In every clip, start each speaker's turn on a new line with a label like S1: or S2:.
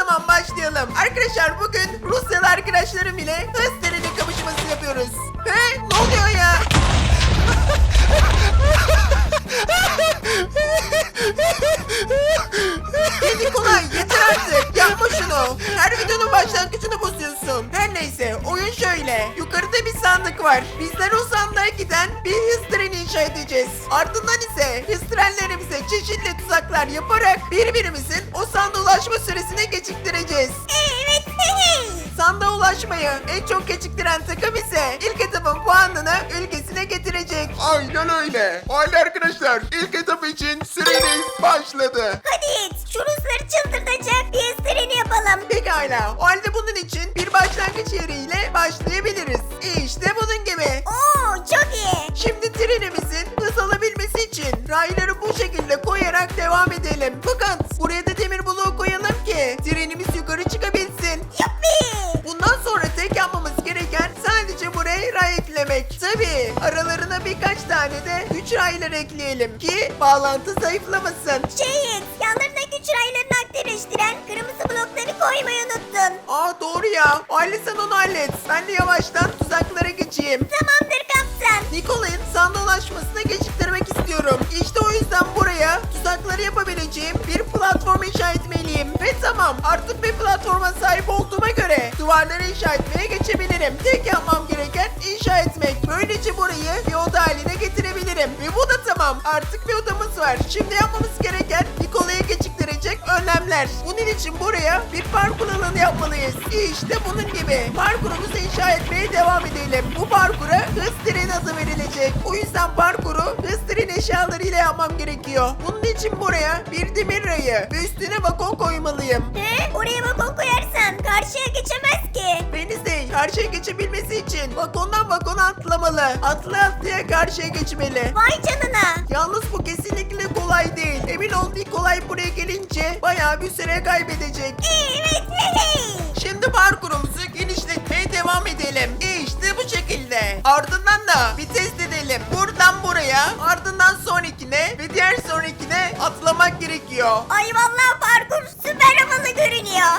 S1: zaman başlayalım. Arkadaşlar bugün Rusyalı arkadaşlarım ile hız treni kapışması yapıyoruz. He? Ne oluyor ya? Nikolay yeter artık. Yapma şunu. Her videonun başlangıcını bozuyorsun. Her neyse oyun şöyle. Yukarıda bir sandık var. Bizler o sandığa giden bir hız treni inşa edeceğiz. Ardından ise hız trenlerimize çeşitli tuzaklar yaparak birbirimizin o sandığa ulaşma süresini geciktireceğiz.
S2: Evet.
S1: Sandığa ulaşmayı en çok geciktiren takım ise ilk etapın puanını ülkesine getirecek.
S3: Aynen öyle. Haydi arkadaşlar ilk etap için süreniz başladı.
S2: Hadi Yiğit, şu Rusları çıldırtacak bir hız treni yapalım.
S1: Pekala. O halde bunun için bir başlangıç yeriyle başlayabiliriz. İşte bunun gibi.
S2: Oo, çok iyi.
S1: Şimdi trenimizin hız alabilmesi için rayları bu şekilde koyarak devam edelim. Fakat buraya da demir bloğu koyalım ki trenimiz yukarı çıkabilsin.
S2: Yuppi.
S1: Bundan sonra tek yapmamız gereken sadece buraya ray eklemek. Tabii aralarına birkaç tane de güç rayları ekleyelim ki bağlantı zayıflamasın.
S2: Yiğit, yanlarına güç raylarını aktifleştiren kırmızı blokları koymayı unuttun.
S1: Aa doğru ya. O halde sen onu hallet. Ben de yavaştan tuzaklara geçeyim.
S2: Tamamdır kaptan.
S1: Nikolay'ın sandığa ulaşmasını geciktirmek istiyorum. İşte o yüzden buraya tuzakları yapabileceğim bir platform inşa etmeliyim. Ve tamam, artık bir platforma sahip olduğuma göre duvarları inşa etmeye geçebilirim. Tek yapmam gereken inşa etmek. Böylece burayı bir oda haline getirebilirim. Ve bu da tamam. Artık bir odamız var. Şimdi yapmamız gereken Nikolay'ı geciktirecek önlemler. Bunun için buraya bir parkur alanı yapmalıyız. İşte bunun gibi. Parkurumuzu inşa etmeye devam edelim. Bu parkura hız treni adı verilecek. O yüzden parkuru hız treni eşyalarıyla yapmam gerekiyor. Bunun için buraya bir demir rayı ve üstüne vagon koymalıyım.
S2: Oraya vagon koyarsan karşıya geçemez ki.
S1: Venizde karşıya geçebilmesi için vagondan vagona atlamalı. Atlaya karşıya geçmeli.
S2: Vay canına.
S1: Yalnız bu kesinlikle kolay değil. Emin ol Nikolay buraya gelince bayağı bir süre kaybedecek.
S2: Evet.
S1: Şimdi parkurumuzu genişletmeye devam edelim. İşte bu şekilde. Ardından da bir test edelim. Buradan buraya, ardından sonrakine ve diğer sonrakine atlamak gerekiyor.
S2: Ay vallahi parkur süper havalı görünüyor.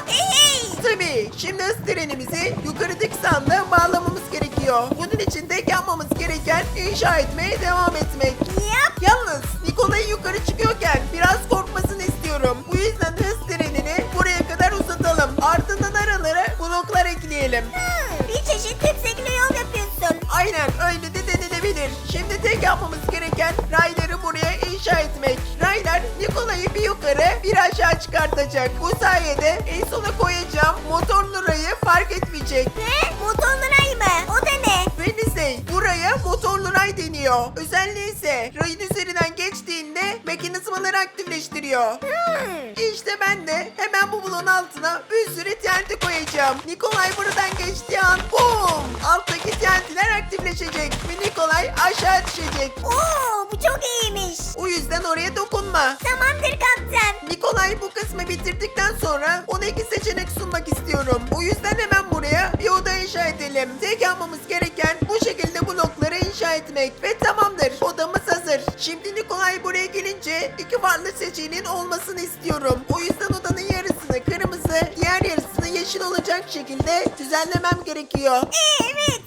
S1: Tabii şimdi hız trenimizi yukarıdaki sandığa bağlamamız gerekiyor. Bunun için tek yapmamız gereken inşa etmeye devam etmek.
S2: Yap.
S1: Yalnız Nikolay'ın yukarı çıkıyorken biraz korkmasını istiyorum. Bu yüzden hız trenini buraya kadar uzatalım. Ardından aralara bloklar ekleyelim.
S2: Bir çeşit tepsekli yol yapıyorsun.
S1: Aynen öyle de denilebilir. Şimdi tek yapmamız gereken rayları buraya inşa etmek. Raylar Nikolay'ı bir yukarı bir aşağı çıkartacak. Bu sayede en sona koyacağım motorlu rayı fark etmeyecek.
S2: Ne? Motorlu ray mı? O da ne?
S1: Wednesday buraya motorlu ray deniyor. Özelliği ise rayın üzerinden geçtiğinde mekanizmaları aktifleştiriyor. İşte ben de hemen bu bloğun altına bir sürü TNT koyacağım. Nikolay buradan geçtiği an boom! Alttaki TNT'ler aktifleşecek ve Nikolay aşağı düşecek.
S2: Oo, bu çok iyiymiş.
S1: O yüzden oraya dokunma.
S2: Tamamdır kaptan.
S1: Nikolay bu kısmı bitirdikten sonra ona iki seçenek sunmak istiyorum. O yüzden hemen buraya bir oda inşa edelim. Tek yapmamız gereken bu şekilde blokları inşa etmek. Ve tamamdır. Odamız hazır. Şimdi Nikolay buraya gelince iki farklı seçeneğin olmasını istiyorum. O yüzden odanın yarısını kırmızı, diğer yarısını yeşil olacak şekilde düzenlemem gerekiyor.
S2: Evet.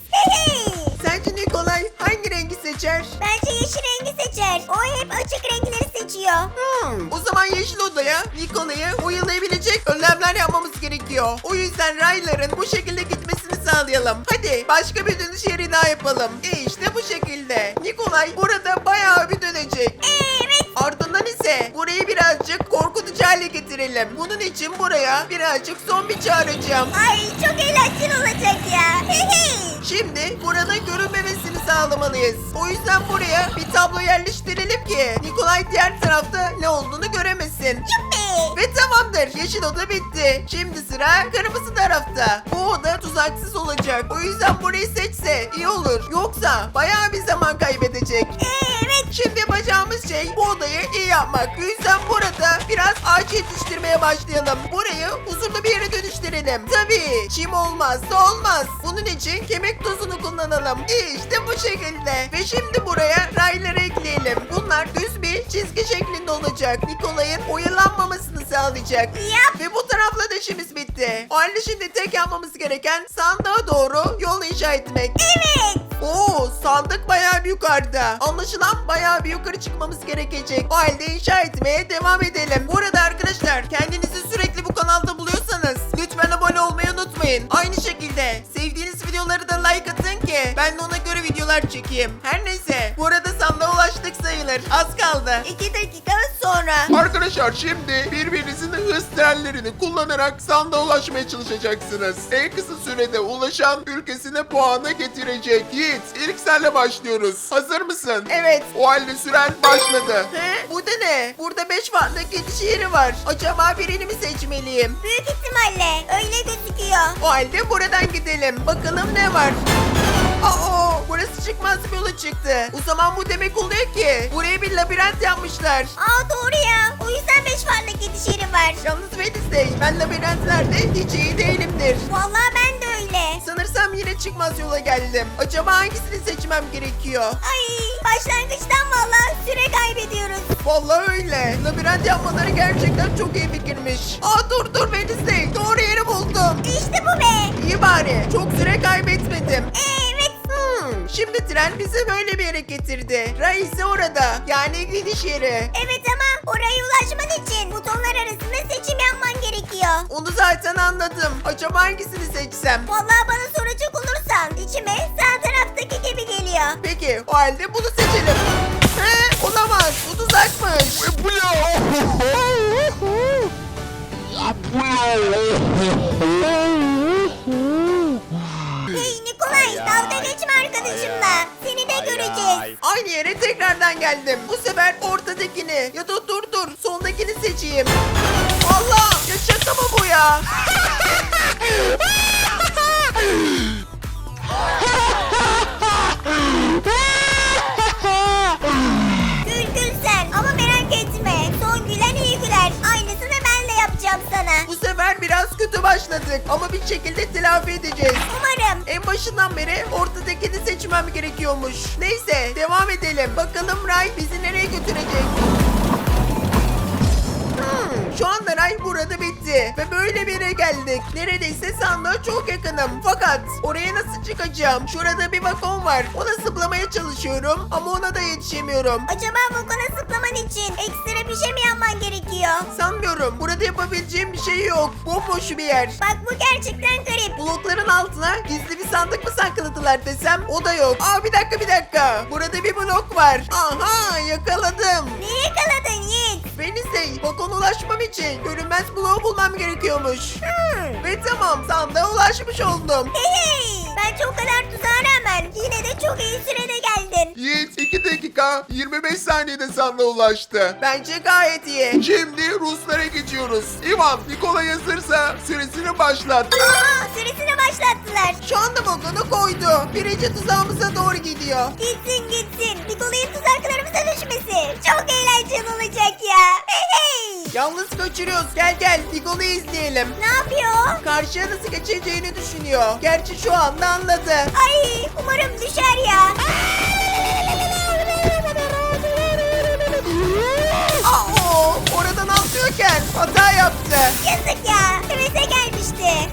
S1: Sence Nikolay hangi rengi seçer?
S2: Bence yeşil rengi seçer. O hep açık renkleri seçiyor.
S1: O zaman yeşil odaya Nikolay'ı oyalayabilecek önlemler yapmamız gerekiyor. O yüzden rayların bu şekilde gitmesini sağlayalım. Hadi başka bir dönüş yeri daha yapalım. İşte bu şekilde. Nikolay burada bayağı bir dönecek.
S2: Evet.
S1: Ardından ise burayı birazcık korkutucu hale getirelim. Bunun için buraya birazcık zombi çağıracağım.
S2: Ay çok eğlenceli olacak ya.
S1: Şimdi buranın görünmemesini sağlamalıyız. O yüzden buraya bir tablo yerleştirelim ki Nikolay diğer tarafta ne olduğunu göremesin.
S2: Yuppi.
S1: Ve tamamdır. Yeşil oda bitti. Şimdi sıra kırmızı tarafta. Bu oda tuzaksız olacak. O yüzden burayı seçse iyi olur. Yoksa bayağı bir zaman kaybedecek.
S2: Evet.
S1: Şimdi yapacağımız şey bu odayı iyi yapmak. O yüzden burada biraz ağaç yetiştirmeye başlayalım. Burayı huzurlu bir yere dönüştürelim. Tabii çim olmazsa olmaz. Bunun için kemik tozunu kullanalım. İşte bu şekilde. Ve şimdi buraya rayları ekleyelim. Bunlar düz bir bir çizgi şeklinde olacak. Nikolay'ın oyalanmamasını sağlayacak.
S2: Yap.
S1: Ve bu tarafla da işimiz bitti. O halde şimdi tek yapmamız gereken sandığa doğru yol inşa etmek.
S2: Evet.
S1: Oo, sandık bayağı bir yukarıda. Anlaşılan bayağı bir yukarı çıkmamız gerekecek. O halde inşa etmeye devam edelim. Bu arada arkadaşlar, kendinizi sürekli bu kanalda buluyorsanız lütfen abone olmayı unutmayın. Aynı şekilde sevdiğiniz videoları da like atın ki ben de ona göre videolar çekeyim. Her neyse, bu arada sandığa ulaştık sayılır. Az kaldı.
S2: 2 dakika sonra.
S3: Arkadaşlar şimdi birbirinizin hız trenlerini kullanarak sandığa ulaşmaya çalışacaksınız. En kısa sürede ulaşan ülkesine puanı getirecek. Yiğit, ilk senle başlıyoruz. Hazır mısın?
S1: Evet.
S3: O halde süren başladı.
S1: He? Bu da ne? Burada 5 farklı gidiş yeri var. Acaba birini mi seçmeliyim?
S2: Büyük ihtimalle öyle gözüküyor.
S1: O halde buradan gidelim. Bakalım ne var? Aa, burası çıkmaz bir yola çıktı. O zaman bu demek oluyor ki buraya bir labirent yapmışlar.
S2: Aa doğru ya. O yüzden 5 farklı gidiş yeri var.
S1: Yalnız Wednesday, ben labirentlerde hiç iyi değilimdir.
S2: Vallahi ben de öyle.
S1: Sanırsam yine çıkmaz yola geldim. Acaba hangisini seçmem gerekiyor?
S2: Ay başlangıçtan vallahi süre kaybediyoruz.
S1: Vallahi öyle. Labirent yapmaları gerçekten çok iyi fikirmiş. Aa dur Wednesday, doğru yeri buldum.
S2: İşte bu be.
S1: İyi bari, çok süre kaybetmedim.
S2: Evet.
S1: Şimdi tren bizi böyle bir yere getirdi. Ray ise orada. Yani gidiş yeri.
S2: Evet ama oraya ulaşman için butonlar arasında seçim yapman gerekiyor.
S1: Onu zaten anladım. Acaba hangisini seçsem?
S2: Vallahi bana soracak olursan içime sağ taraftaki gibi geliyor.
S1: Peki o halde bunu seçelim. He, olamaz. Bu tuzakmış.
S3: Bu ya?
S2: Hey Nikolay dalga geçme arkadaşımla. Seni de göreceğiz.
S1: Aynı yere tekrardan geldim. Bu sefer ortadakini ya da dur sondakini seçeyim. Allah, ya şaka mı bu ya?
S2: Gül sen ama merak etme. Son gülen iyi güler. Aynısını ben de yapacağım sana.
S1: Bu sefer biraz kötü başladık ama bir şekilde telafi edeceğiz.
S2: Umarım.
S1: En başından beri ortadakini seçmem gerekiyormuş. Neyse, devam edelim. Bakalım Ray bizi nereye götürecek? Şu anda Ray burada bitti ve böyle bir yere geldik. Neredeyse sandığa çok yakınım. Fakat oraya nasıl çıkacağım? Şurada bir vagon var. Ona zıplamaya çalışıyorum ama ona da yetişemiyorum.
S2: Acaba vagona zıplaman için ekstra bir şey mi yapman gerekiyor?
S1: Sanmıyorum. Burada yapabileceğim bir şey yok. Bomboş bir yer.
S2: Bak bu gerçekten garip.
S1: Blokların altına gizli bir sandık mı sakladılar desem o da yok. Aa, bir dakika. Burada bir blok var. Aha, yakaladım.
S2: Neyi yakaladın Yiğit?
S1: Wednesday, vagona ulaşmam için görünmez bloğu bulmam gerekiyormuş. Ve tamam, sandığa ulaşmış oldum.
S2: Hey, bence o kadar tuzağa rağmen yine de çok iyi sürede geldin.
S3: Yiğit 2 dakika 25 saniyede sandığa ulaştı.
S1: Bence gayet iyi.
S3: Şimdi Ruslara geçiyoruz. İvan, Nikolay hazırsa süresini başlat.
S2: Aa, süresini başlattılar.
S1: Şu anda vagona koydu. Birinci tuzağımıza doğru gidiyor.
S2: Gitsin. Nikolay'ın tuzaklarımıza düşmesi. Çok eğlenceli olacak ya. Hey.
S1: Yalnız kaçırıyoruz. Gel, Nikolay'ı izleyelim.
S2: Ne yapıyor?
S1: Karşıya nasıl geçeceğini düşünüyor. Gerçi şu anda anladı.
S2: Ay umarım düşer ya.
S1: Aa, oradan atlıyorken hata yaptı.
S2: Yazık ya. Hevese gelmişti.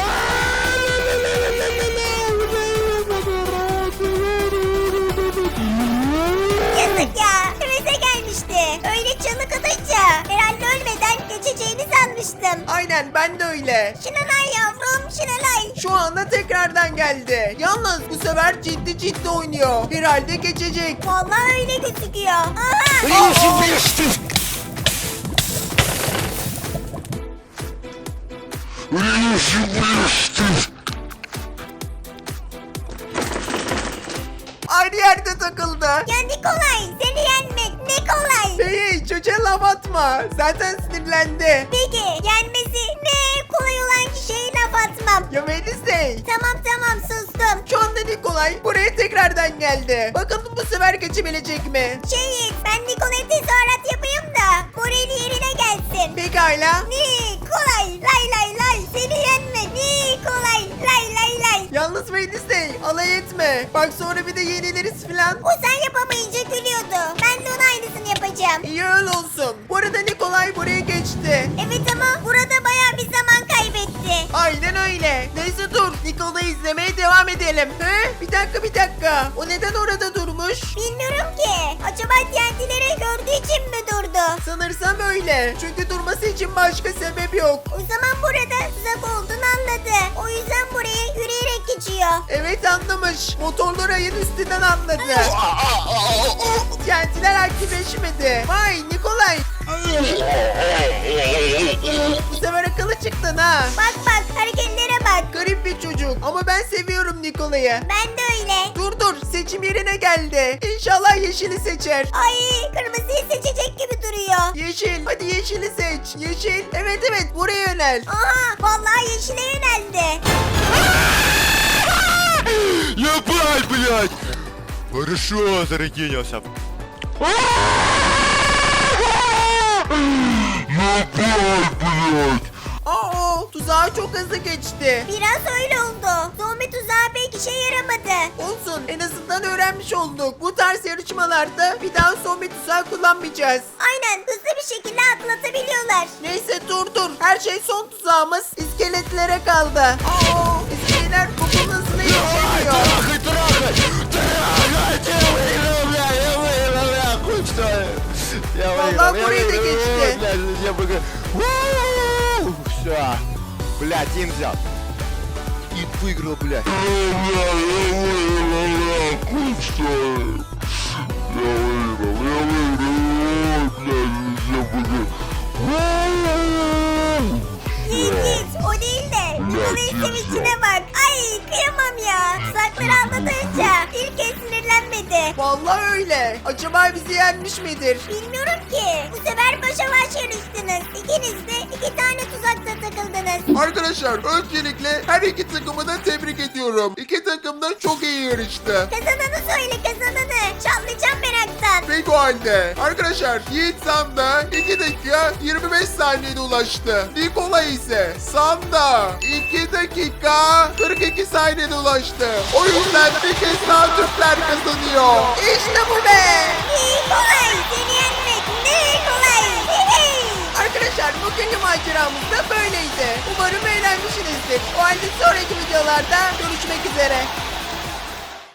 S2: Yazık ya. Hevese gelmişti. Öyle çığlık atınca herhalde ölmeden geçeceğini sanmıştım.
S1: Aynen, ben de öyle.
S2: Şinanay yavrum Şinanay.
S1: Şu anda tekrardan geldi. Yalnız bu sefer ciddi oynuyor. Herhalde geçecek.
S2: Vallahi öyle gözüküyor. Aha.
S1: Aynı yerde takıldı.
S2: Ya Nikolay seni yenmek ne kolay.
S1: Hey, çocuğa laf atma. Zaten sinirlendi.
S2: Peki yenmesi ne kolay olan kişiye laf atmam.
S1: Ya Wednesday.
S2: Tamam sustum.
S1: Şu anda Nikolay buraya tekrardan geldi. Bakalım bu sefer geçebilecek mi?
S2: Ben Nikolay'a tezahürat yapayım da morali yerine gelsin.
S1: Pekala.
S2: Nikolay lay seni yenme Nikolay lay.
S1: Yalnız Wednesday, alay etme. Bak sonra bir de yeniliriz filan.
S2: O sen yapamayınca gülüyordu. Ben de ona aynısını yapacağım. yapacağım.
S1: İyi öyle olsun. Bu arada Nikolay buraya geçti.
S2: Evet ama burada bayağı bir zaman kaybetti.
S1: Aynen öyle. Neyse dur. Nikolay'ı izlemeye devam edelim. He? Bir dakika. O neden orada durmuş?
S2: Bilmiyorum ki. Acaba TNT'leri gördüğü için mi durdu?
S1: Sanırsam öyle. Çünkü durması için başka sebep yok.
S2: O zaman burada tuzak olduğunu anladı. O yüzden buraya yürüyerek geçiyor.
S1: Evet anlamış. Motorlu rayın üstünden atladı. TNT'ler aktifleşmedi. Vay Nikolay. Bu sefer akıllı çıktın ha.
S2: Bak hareketlere bak.
S1: Garip bir çocuk. Ama ben seviyorum Nikolay'ı.
S2: Ben de öyle.
S1: Dur seçim yerine geldi. İnşallah yeşili seçer.
S2: Ay kırmızıyı seçecek gibi duruyor.
S1: Yeşil. Hadi yeşili seç. Yeşil. Evet buraya yönel.
S2: Aha vallahi yeşile yöneldi.
S4: Ебать, блядь! Хорошо, зарегенился.
S1: Tuzağa çok hızlı geçti.
S2: Biraz öyle oldu. Zombi tuzağı pek işe yaramadı.
S1: Olsun en azından öğrenmiş olduk. Bu tarz yarışmalarda bir daha zombi tuzağı kullanmayacağız.
S2: Aynen hızlı bir şekilde atlatabiliyorlar.
S1: Neyse dur. Her şey son tuzağımız iskeletlere kaldı. İskeleler topun hızına yetişemiyor.
S4: Трахай, трахай! Трахайте! Я выиграл, бля, я выиграл, бля, хуй что ли? Я
S1: Vallahi
S4: выиграл,
S1: burayı da geçti.
S4: блядь, я выиграл. Все. Бля, Тим взял. И выиграл, блядь.
S2: Yiğit o değil de Nikolay'ın sevincine bak. Ay kıyamam ya. Tuzakları anlatınca ilk kez sinirlenmedi.
S1: Vallahi öyle. Acaba bizi yenmiş midir?
S2: Bilmiyorum ki. Bu sefer başa baş yarıştınız. İkiniz de 2 tane tuzakta takıldınız.
S3: Arkadaşlar öncelikle her iki takımı da tebrik ediyorum. İki takım da çok iyi yarıştı.
S2: Kazananı söyle kazananı. Çalmayacağım meraktan.
S3: Peki o halde. Arkadaşlar Yiğit Sanda 2 dakika 25 saniyede ulaştı. Nikolay ise Sanda 2 dakika 42 saniyede ulaştı. O yüzden bir kez daha Türkler kazanıyor.
S1: İşte bu be.
S2: Nikolay seni yenmek ne kolay. Hey.
S1: Arkadaşlar bugünkü maceramız da böyleydi. Umarım eğlenmişsinizdir. O halde sonraki videolarda görüşmek üzere.